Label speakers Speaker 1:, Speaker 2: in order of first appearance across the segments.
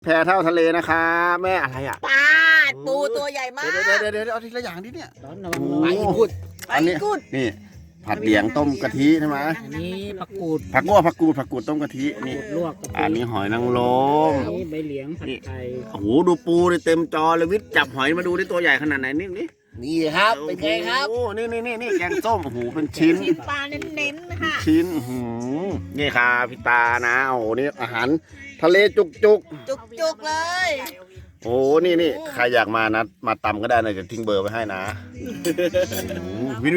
Speaker 1: พเท่าทะเลนะคะแม่อะไรอ่ะ
Speaker 2: ปลาปูตัวใหญ่มาก
Speaker 1: เดี๋ยวเอาทีละอย่างดิเนี่ย
Speaker 3: ร้อนระวังปลาอีกุด
Speaker 1: อันนี้นี่ผัดเหลียงต้มกะทิใช่ไหม
Speaker 3: อันนี้ผักกูด
Speaker 1: ผักกูดต้มกะทินี่
Speaker 3: ลวก
Speaker 1: อันนี้หอยนางรม
Speaker 3: นี่ใบเหลียงผัดไทย
Speaker 1: โอ้โหดูปูเลยเต็มจอเลยวิทย์จับหอยมาดูได้ตัวใหญ่ขนาดไหนนี่
Speaker 2: ครับเป็นไงครับ
Speaker 1: โอ้นี่แกงส้มโอ้โหเป็นชิ้น
Speaker 2: ปลาเน้นๆนะคะ
Speaker 1: ชิ้นนี่ค่ะพี่ตานะโอ้โหนี่อาหารทะเลจุก
Speaker 2: เลย
Speaker 1: โอ้นี่ใครอยากมานะมาตำก็ได้นะจะทิ้งเบอร์ไว้ให้นะวิน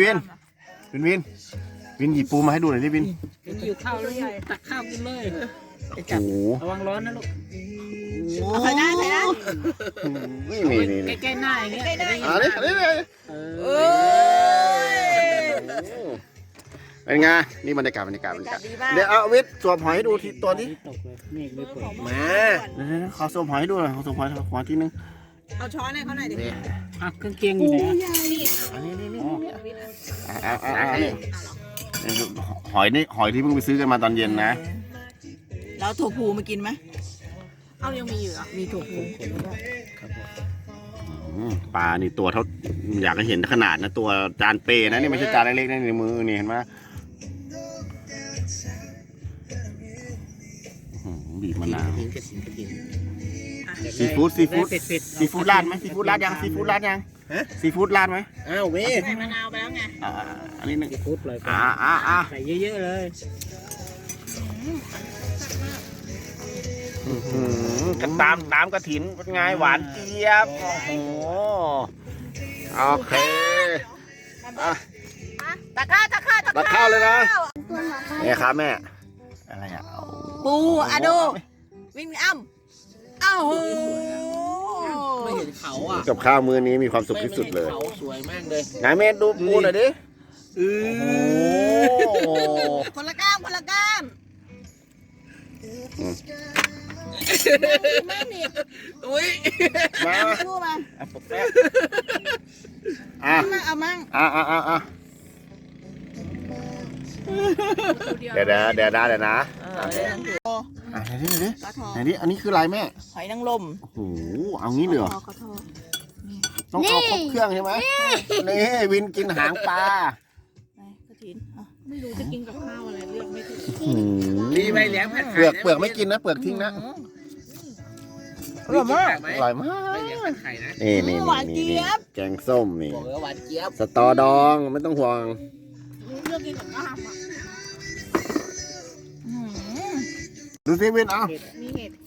Speaker 1: หยิบปูมาให้ดูหน่อยดิวิน
Speaker 3: อยู่ข้าวเลยตักข้าวกินเลย
Speaker 1: โอ้
Speaker 3: ระวังร้อนนะลูก
Speaker 2: ใส่ได้
Speaker 1: นี่
Speaker 3: ใกล้ๆหน้าอย่างเงี้ย
Speaker 1: นี่เป็นไงนี่บรรยากาศเดี๋ยวเอาวิทย์สวมหอยให้ดูทีตัวนี้มาขอสวมหอยให้ดูหน่อยขอสวมหอยทีนึง
Speaker 2: เอาช้อนให้เขาหน่อยดิ
Speaker 3: เครื่องเคียงอยู่ไหน
Speaker 1: อันนี้หอยที่เพิ่งไปซื้อกันมาตอนเย็นนะ
Speaker 2: แล้วถั่วพูมากินไหม
Speaker 4: เอายังมีอยู่อ่ะ
Speaker 2: มีถั่วพู
Speaker 1: ปลานี่ตัวเท่าอยากให้เห็นขนาดนะตัวจานเปนะนี่ไม่ใช่จานเล็กๆนะในมือนี่เห็นไหมบีบมะนาวซีฟู้ดราดไหมซีฟู้ดราดยังซีฟู้ดราดไหม
Speaker 4: อ้าวเว้ยใส่มะนาวไปแล้วไง
Speaker 1: อันนี้หนึ่ง
Speaker 3: ซีฟู้ดเลยใส่เยอะๆเลย
Speaker 1: กันตามกระถินเป็นไงหวานเจี๊ยบโอ้โหโอเค
Speaker 2: ตะข้าว
Speaker 1: เลยนะเนี่ยครับแม่อะไรอ่ะ
Speaker 2: ปูอะดูวิ่งอ้ำอ้าว
Speaker 3: ไม่เห็นเขาอ่ะ
Speaker 1: กับข้าวมื้อนี้มีความสุขที่สุดเลย
Speaker 3: เขาสวยมากเลย
Speaker 1: ไหนแม่ดูปูหน่อยดิ
Speaker 2: คนละก้ามไม่หนีบ
Speaker 1: อุ้ยมา
Speaker 2: พูดมาเอามั่ง
Speaker 1: เดี๋ยวนะไหนดิอันนี้คืออะไรแม่
Speaker 2: หอยนางรม
Speaker 1: โอ้โหเอางี้เลยต้องเอาครบเครื่องใช่ไหมนี่วินกินหางปลา
Speaker 4: ไม่รู้จะกินกับข้าวอะไรเลือกไม่ถูก
Speaker 3: มีใบเหลียงผัดไข่
Speaker 1: เปลือกไม่กินนะเปลือกทิ้งนะอร่อยมากนี่
Speaker 2: หวานเจี๊ยบ
Speaker 1: แกงส้มนี่
Speaker 3: หวานเจี๊ยบ
Speaker 1: สตอดองไม่ต้องห่วง
Speaker 4: เลือกกินกับข้าวอ่ะ
Speaker 1: ดูสิวินเอา
Speaker 4: มีเห็ด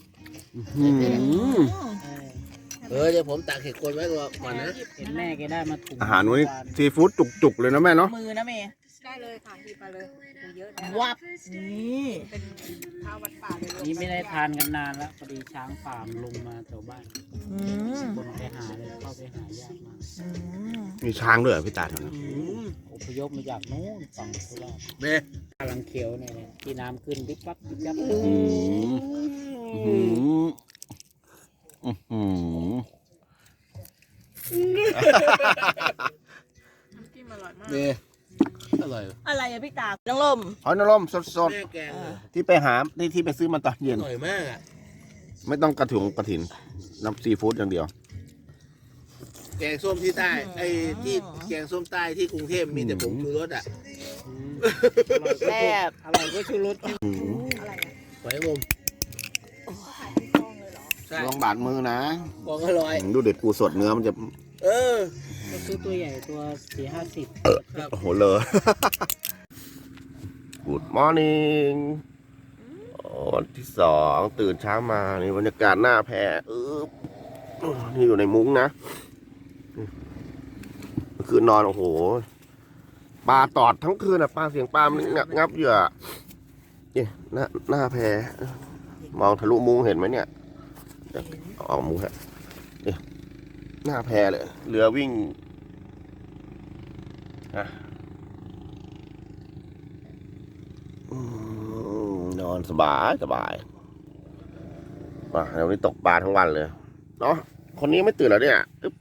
Speaker 3: เดี๋ยวผมตักเห็ดคนไว้ก่อนนะเห็นแม่แกได้มาถุง
Speaker 1: อาหารวันนี้ซีฟู้ดจุกๆเลยนะแม่เนาะ
Speaker 2: มือนะเมย์
Speaker 4: ได้เลยค่ะหยิบมาเลยเยอะ
Speaker 2: นะวับนี่
Speaker 4: เป็นข้าววัดป่าเลย
Speaker 3: นี่ไม่ได้ทานกันนานแล้วพอดีช้างป่ามลงมาแถวบ้านคนไปหาเลยเข้าไปหายากมาก
Speaker 1: มีช้างด้วยพี่ตาแถวนั้น
Speaker 3: อพยพมาจากโน้นฝั่งโคราชกำลังเขียวเนี่ยที่น้ำขึ้นปิ๊บปั๊บปิ๊บปั๊บ
Speaker 1: นี่
Speaker 2: อะไรอะพี่ตาน้องลม
Speaker 1: หอยนางรมสดๆที่ไปหาที่ไปซื้อมาตอนเย็น
Speaker 3: อร่อยมากอ่ะ
Speaker 1: ไม่ต้องกระถินน้ำซีฟู้ดอย่างเดียว
Speaker 3: แกงส้มที่ใต้ที่แกงส้มใต้ที่กรุงเทพมีแต่ผงชูรสอ่ะ
Speaker 2: แซ่บ
Speaker 3: อร่อยก็ชูรส
Speaker 2: อะไร
Speaker 3: หอยงม
Speaker 1: ลองบาดมือนะ
Speaker 3: บอกอร่อย
Speaker 1: ดูเด็ดปูสดเนื้อมันจะ
Speaker 3: ซื้อตัวใหญ่ตัว4-50
Speaker 1: โอ้โหเลย Good morning วันที่2ตื่นเช้ามานี่บรรยากาศหน้าแพนี่อยู่ในมุ้งนะเมื่อคืนนอนโอ้โหปลาตอดทั้งคืนอ่ะปลาเสียงปลามันงับเหยื่อนี่หน้าแพมองทะลุมุ้งเห็นไหมเนี่ยออกมุ้งฮะนี่หน้าแพเลยเรือวิ่งนอนสบายมาเดี๋ยวนี้ตกปลาทั้งวันเลยเนาะคนนี้ไม่ตื่นแล้วเนี่ยอึ๊บ